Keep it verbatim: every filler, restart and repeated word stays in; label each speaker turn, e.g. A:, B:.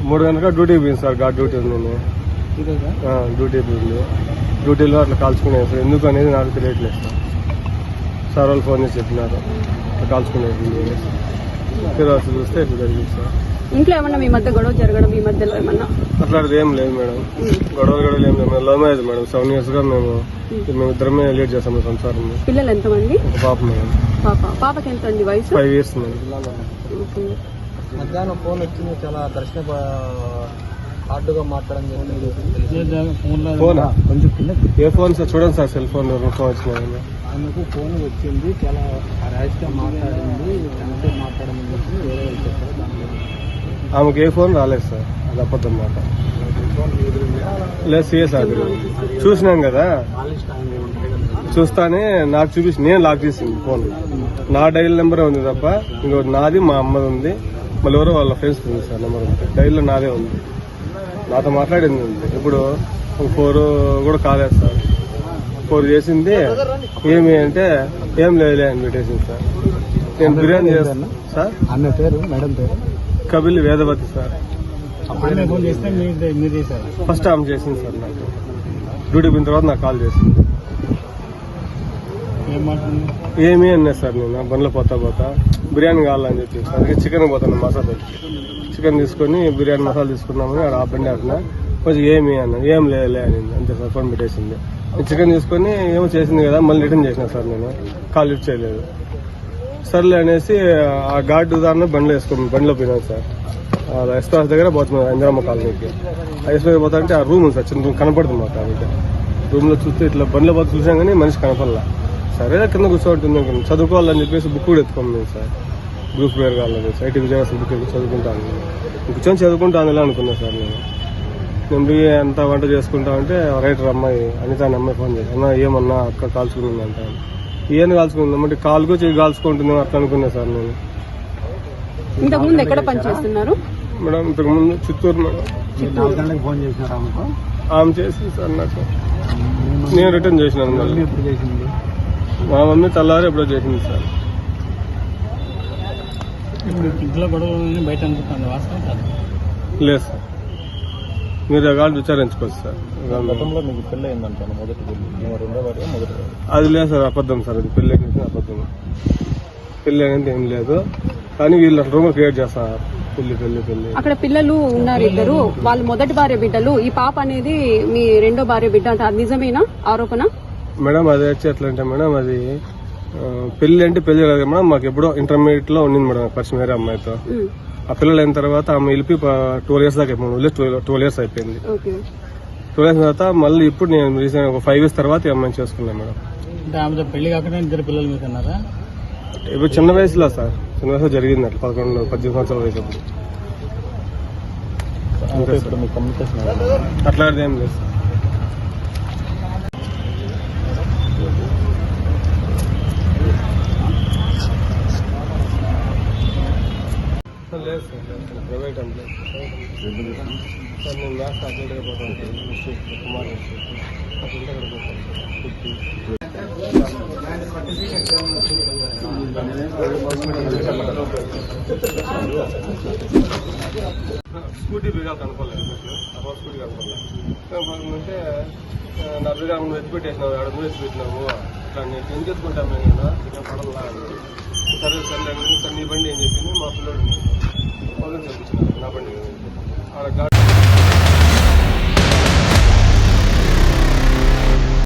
A: మూడు గంటల డ్యూటీ పోయింది సార్. గా డ్యూటీ ఉంది, డ్యూటీ పోయింది. డ్యూటీలో అట్లా కాల్చుకునేది సార్. ఎందుకు అనేది నాకు తెలియట్లేదు సార్. సార్ వాళ్ళు ఫోన్ చేసి చెప్పినారు కాల్చుకునేది. తర్వాత చూస్తే ఇట్లా జరిగింది సార్.
B: ఇంట్లో ఏమన్నా మీ మధ్య గొడవ జరగడం ఈ మధ్యలో ఏమన్నా
A: అట్లాంటిది ఏం లేదు మేడం. గొడవ గొడవలు ఏం లేదు. Love marriage madam. Seven years గా మేము మేము ఇద్దరమే లీడ్ చేస్తాం సంసారం.
B: పిల్లలు ఎంతమంది?
A: ఒక పాప మేడం.
B: పాప పాపకి ఎంత అండి వయసు?
A: Five years madam.
C: మధ్యాహ్నం ఫోన్ వచ్చింది, చాలా దర్శన హార్డ్గా మాట్లాడడం జరిగింది.
A: ఫోనా? ఏ ఫోన్ సార్? చూడండి సార్, సెల్ ఫోన్ ఫోన్ వచ్చిన
C: ఆమెకు ఫోన్ వచ్చింది, చాలా ర్యాష్గా మాట్లాడింది, తనతో మాట్లాడమని చెప్పి వేరే వాళ్ళు చెప్పారు. దాంట్లో
A: ఆమెకు ఏ ఫోన్ రాలేదు సార్. అది అబద్ధం మాట. లేదు సీఎస్ ఆగ్రహం చూసినాం కదా, చూస్తానే నాకు చూపించి నేను లాక్ చేసింది ఫోన్. నా డైల్ నెంబరే ఉంది తప్ప ఇంకోటి నాది మా అమ్మది ఉంది, మళ్ళీ ఎవరో వాళ్ళ ఫ్రెండ్స్ ఉంది సార్ నెంబర్ ఉంది. డైల్లో నాదే ఉంది, నాతో మాట్లాడింది ఉంది. ఇప్పుడు ఫోర్ కూడా కాలేదు సార్. ఫోర్ చేసింది ఏమి అంటే ఏం లేదులే అని పెట్టేసింది సార్. నేను బిర్యానీ చేస్తాను సార్.
C: ఆమె పేరు మేడం పేరు
A: కపిల్ వేదవతి సార్.
C: ఫోన్ చేస్తే మీరు చేశారు?
A: ఫస్ట్ ఆమె చేసింది సార్. నాకు డ్యూటీ పోయిన తర్వాత నాకు కాల్ చేసింది. ఏమి అన్నా సార్, నేను బండ్లో పోతా పోతా బిర్యానీ కావాలని చెప్పి అందుకే చికెన్ పోతాను మసాలా. చికెన్ తీసుకొని బిర్యానీ మసాలా తీసుకున్నామని ఆ బండి ఆడినా కొంచెం ఏమి అన్న ఏం లేదులే అని అంతే సార్. ఫోన్ పెట్టేసింది. చికెన్ తీసుకొని ఏమో చేసింది కదా, మళ్ళీ రిటర్న్ చేసిన సార్. నేను కాల్ లిఫ్ట్ చేయలేదు. సర్లే అనేసి ఆ ఘాటు దాన్ని బండిలో వేసుకుని బండిలో పోయినాను సార్. ఎస్టాస్ దగ్గర పోతున్నాను ఇందిరమ్మ కాలనీకి. ఎస్లో పోతా అంటే ఆ రూమ్ ఉంది సార్, చిన్న రూమ్ కనపడుతుంది మాకు. కాబట్టి రూమ్ లో చూస్తే ఇట్లా బండిలో పోతే చూసాం కానీ మనిషి కనపడలా. సరే కింద కూర్చోంటుంది చదువుకోవాలని చెప్పేసి బుక్ కూడా ఎత్తుకున్నాను సార్. గ్రూప్ వేర్ కావాలని ఐటీ విజయవాడ బుక్ చదువుకుంటాను. కూర్చొని చదువుకుంటాను ఇలా అనుకున్నా సార్. నేను నేను ఎంత వంట చేసుకుంటా అంటే రైటర్ అమ్మాయి అనిత అనే అమ్మాయి ఫోన్ చేసి అన్న ఏమన్నా అక్క కాల్చుకుంది అంట. ఏం కాల్చుకుందాం అంటే కాలుకు చెయ్యి కాల్చుకుంటుంది అట్లా అనుకున్నా సార్. నేను
B: ఇంతకు ముందు ఎక్కడ పనిచేస్తున్నారు
A: మేడం? ఇంతకు ముందు చిత్తూరు మేడం.
C: ఫోన్ చేసినారు ఆమెకు?
A: ఆమె చేసింది సార్ నాకు. నేను రిటర్న్ చేసినాను. మళ్ళీ
C: ఎప్పుడు చేసింది?
A: మా మమ్మీ తెల్లారి ఎప్పుడో చేసింది సార్.
C: ఇంట్లో గొడవలు బయట అనుకుంటాను వాస్తవం కాదు.
A: లేదు సార్, మీరు కాదు విచారించుకోవచ్చు సార్.
C: గతంలో మీకు పెళ్ళి అయిందంటాను, మొదటి పెళ్లి రెండో వారి మొదటి వారి?
A: అది లేదు సార్, అబద్ధం సార్. అది పెళ్లి అనేది అబద్ధం. పెళ్లి అనేది ఏం లేదు, కానీ వీళ్ళు రూమర్ క్రియేట్ చేస్తారు. పెళ్లి పెళ్లి పెళ్లి
B: అక్కడ పిల్లలు ఉన్నారు ఇద్దరు, వాళ్ళు మొదటి భార్య బిడ్డలు. ఈ పాప అనేది మీ రెండో భార్య బిడ్డ అంటే అది నిజమేనా ఆరోపణ?
A: మేడం అది వచ్చి ఎట్లా అంటే మేడం, అది పెళ్లి అంటే పెళ్లి లేదు మేడం. మాకు ఎప్పుడో ఇంటర్మీడియట్ లో ఉండింది మేడం పరిచయం వేరే అమ్మాయితో. ఆ పిల్లలు అయిన తర్వాత ఆమె వెళ్ళి ట్వెల్వ్ ఇయర్స్ దాకా అయిపోయింది. ట్వెల్వ్ ఇయర్స్ అయిపోయింది. ట్వెల్వ్ ఇయర్స్ తర్వాత మళ్ళీ ఇప్పుడు నేను రీసెంట్ ఒక ఫైవ్ ఇయర్స్ తర్వాత ఈ అమ్మాయిని చేసుకున్నాను మేడం.
C: ఆమెతో పెళ్లి కాకుండా ఇద్దరు పిల్లలు మీకు అన్నారా?
A: ఇప్పుడు చిన్న వయసులో సార్, చిన్న వయసులో జరిగింది అట్లా పదకొండు పద్దెనిమిది సంవత్సరాల వయసు అప్పుడు. అట్లాంటిది ఏం లేదు సార్. లేదు సార్, ప్రైవేట్ ఎంప్లాయ్ సార్. నేను మ్యాథ్స్ అటెండ్గా పోతాను కుమార్ అటెండ్ అక్కడ పోతాను. స్కూటీ బిగా కనుకోలేదు, అప్పుడు స్కూటీ కనుకోలేదు అంటే నా బిగా నువ్వు ఎత్తిపెట్టేసినావు, ఆడ నువ్వు ఎత్తిపెట్టినావు, ఇట్లా నేను ఎందుకు ఎత్తుకుంటాను నేను కదా ఇక్కడ పడలా. సరే సరే సార్ నీ బండి ఏం చెప్పింది, మా పిల్లడు చెప్పించినారు నా బండి ఆడ